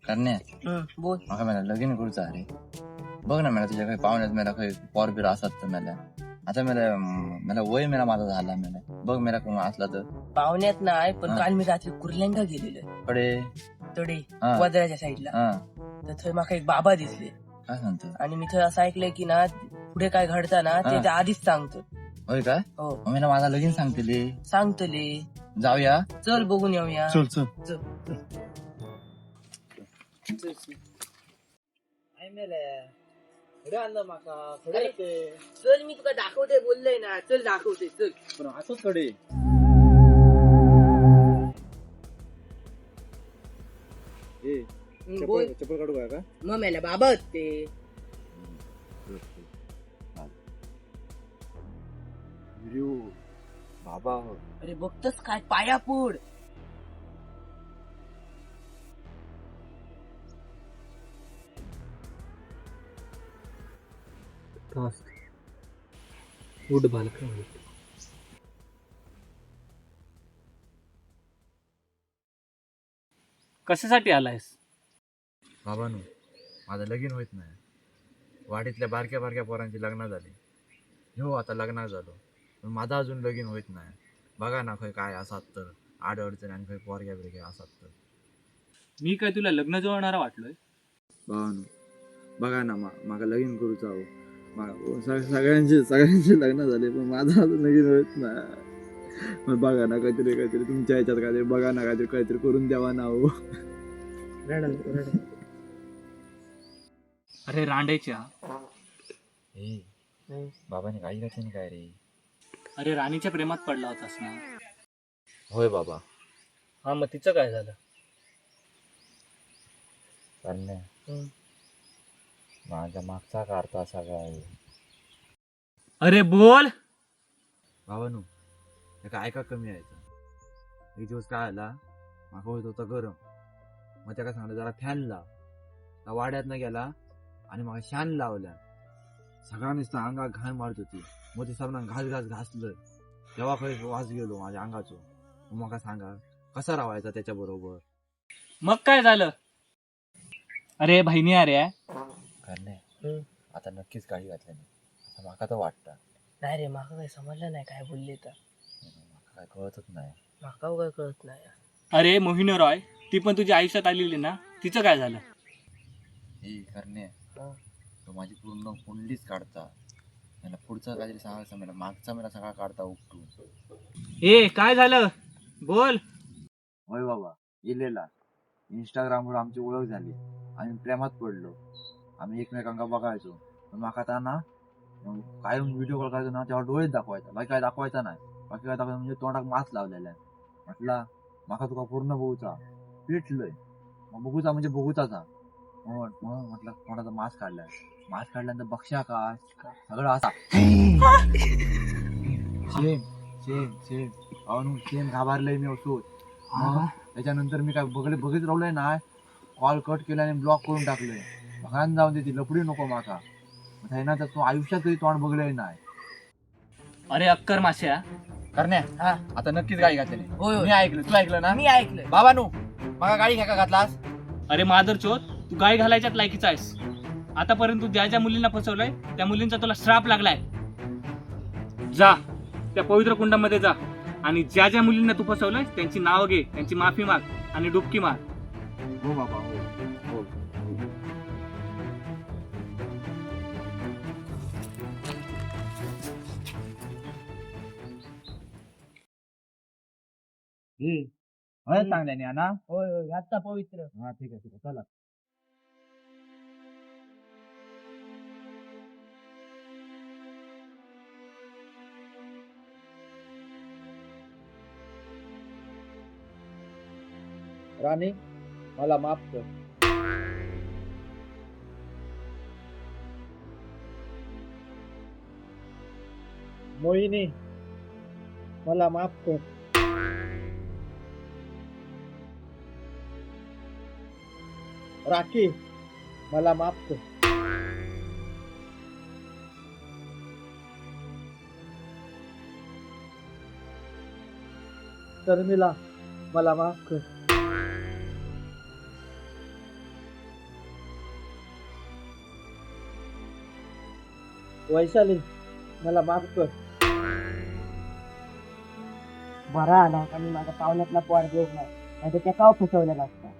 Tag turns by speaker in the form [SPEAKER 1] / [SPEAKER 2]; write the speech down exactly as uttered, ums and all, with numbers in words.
[SPEAKER 1] करण्या
[SPEAKER 2] हं, बोल.
[SPEAKER 1] माका मला लगीन करूचा अरे बघ ना मला तुझ्या काही पाहुण्यात मला काही पोर बिर असत तर मला आता मला मला वय मला माझा झाला मला बघ मला कोण असला तर
[SPEAKER 2] पाहुण्यात नाही पण
[SPEAKER 1] हा.
[SPEAKER 2] काल मी रात्री कुर्ल्यांका गेलेलो
[SPEAKER 1] कडे
[SPEAKER 2] तडे
[SPEAKER 1] हा.
[SPEAKER 2] वदराच्या साईडला.
[SPEAKER 1] हा
[SPEAKER 2] तर थंय माका एक बाबा दिसले
[SPEAKER 1] काय सांगतो
[SPEAKER 2] आणि मी थंय असं ऐकलंय की ना पुढे काय घडतं ना
[SPEAKER 1] हा.
[SPEAKER 2] त्याच्या आधीच सांगतो.
[SPEAKER 1] होय काय
[SPEAKER 2] हो
[SPEAKER 1] मग मला माझा लगीन सांगतेले
[SPEAKER 2] सांगतले.
[SPEAKER 1] जाऊया
[SPEAKER 2] चल बघून येऊया.
[SPEAKER 1] चल चल
[SPEAKER 2] चल चल चल. अरे, चल मी तुला दाखवते बोललोय ना. चल दाखवते चल.
[SPEAKER 1] पण असंच कडे
[SPEAKER 2] हं, बोल.
[SPEAKER 1] चप्पल काढू काय का
[SPEAKER 2] मग मेला बाबा आहेत ते.
[SPEAKER 1] बाबा
[SPEAKER 2] अरे बघतस काय पाया पुढ.
[SPEAKER 3] उठ बालका उठ. कशासाठी आलायस?
[SPEAKER 1] बाबानू माझं लगीन होत नाही वाडीतल्या बारक्या बारक्या पोरांची लग्न झाली हो आता लग्नात झालो पण माझा अजून लगीन होत नाही बघा ना खय काय असात तर आड अडचण आणि खय पोरग्या बिरग्या असात तर
[SPEAKER 3] मी काय तुला लग्न जुळवणारा वाटलोय?
[SPEAKER 1] बाबानू बघा ना मा माका लगीन करूचा हो मा- स- सगळ्यांचे सगळ्यांचे लग्न झाले पण माझा अजून लगीन होत नाही मग बघा ना काहीतरी काहीतरी तुमच्या ह्याच्यात काहीतरी बघा ना काहीतरी काहीतरी करून द्यावा ना हो
[SPEAKER 3] अरे रांडेच्या,
[SPEAKER 1] बाबाने काही घातली काय रे
[SPEAKER 3] अरे राणीच्या प्रेमात पडला होतास ना?
[SPEAKER 1] होय बाबा
[SPEAKER 3] हा मग तिचं काय झालं?
[SPEAKER 1] करण्या माझ्या मागचा काढता सगळा आहे
[SPEAKER 3] अरे बोल.
[SPEAKER 1] बाबानू त्याका ऐका कमी यायचं एक दिवस काय आला माका होत होता गरम मग त्याला सांगलं जरा फॅन लाव त्या वाड्यात न गेला आणि मग शान लावल्या सगळ्यांनीच ना अंगा घाण मारत होती मग ते सगळ्यांना घास घास घासलं तेव्हा खरंच वास गेलो माझ्या अंगाचो मग मका सांगा कसा राहायचा त्याच्या बरोबर
[SPEAKER 3] मग काय झालं? अरे बहिणी अरे
[SPEAKER 1] करणे आता नक्कीच काळी घातली नाही असं माका तर वाटतं
[SPEAKER 2] नाही रे माका काही समजलं नाही काय बोलले तर.
[SPEAKER 1] माका काय कळतच नाही
[SPEAKER 2] माका काय कळत नाही.
[SPEAKER 3] अरे मोहिनी रॉय ती पण तुझ्या आयुष्यात आलेली ना, तिचं काय झालं?
[SPEAKER 1] हे करणे
[SPEAKER 2] हं.
[SPEAKER 1] तो माझी पूर्ण कुंडलीच काढता मला पुढचा काहीतरी सांगायचं मला मागचा मला सगळा काढता उपटून
[SPEAKER 3] ए काय झालं बोल.
[SPEAKER 1] होय बाबा इलेला इंस्टाग्रामवर आमची ओळख झाली आम्ही प्रेमात पडलो आम्ही एकमेकांना बघायचो पण माका आता ना काय व्हिडिओ कॉल करायचो ना तेव्हा डोळेच दाखवायचा बाकी काय दाखवायचा नाही बाकी काय दाखवायचं म्हणजे तोंडात मास्क लावलेला आहे म्हटला माका तुका पूर्ण बघूचा पेटलंय मग बघूचा म्हणजे बघूचाचा मग मग म्हटलं तोंडाचा मास्क काढलाय मास्क काढल्यानंतर बक्षा का सगळं असा शेम शेम शेम अनु शेम घाबरलंय मी असो मग त्याच्यानंतर मी काय बघले बघित राहिलोय ना कॉल कट केला आणि ब्लॉक करून टाकलोय भगान जाऊन दे ती लपडी नको माका ना तर तू आयुष्यात कधी तोंड बघलंय नाही
[SPEAKER 3] अरे अक्कर माश्या
[SPEAKER 1] करण्या
[SPEAKER 2] हा
[SPEAKER 1] आता नक्कीच गाडी घातली
[SPEAKER 2] होय होय
[SPEAKER 1] मी ऐकलं तू ऐकलं ना
[SPEAKER 2] मी ऐकलं.
[SPEAKER 1] बाबानू माका गाडी घ्या का घातलास
[SPEAKER 3] अरे मादर चोत तू गाय घालायच्यात लायकीचा आहेस. आतापर्यंत तू ज्या ज्या मुलींना फसवलंय त्या मुलींचा तुला श्राप लागलाय. जा त्या पवित्र कुंडामध्ये जा आणि ज्या ज्या मुलींना तू फसवलंय त्यांची नावं घे त्यांची माफी माग आणि डुबकी मार.
[SPEAKER 1] हो बाबा हो हो हे चांगल्याने ना
[SPEAKER 2] होय होय आता पवित्र.
[SPEAKER 1] हा ठीक आहे ठीक आहे चला राणी मला माफ कर मोहिनी मला माफ कर राखी मला माफ कर शर्मिला मला माफ कर
[SPEAKER 2] वैशाली मला माफ कर.
[SPEAKER 4] बरा आला आणि माझ्या पाहुण्यातला पोर देऊ नाही नाहीतर त्या काव फसवलेला असता.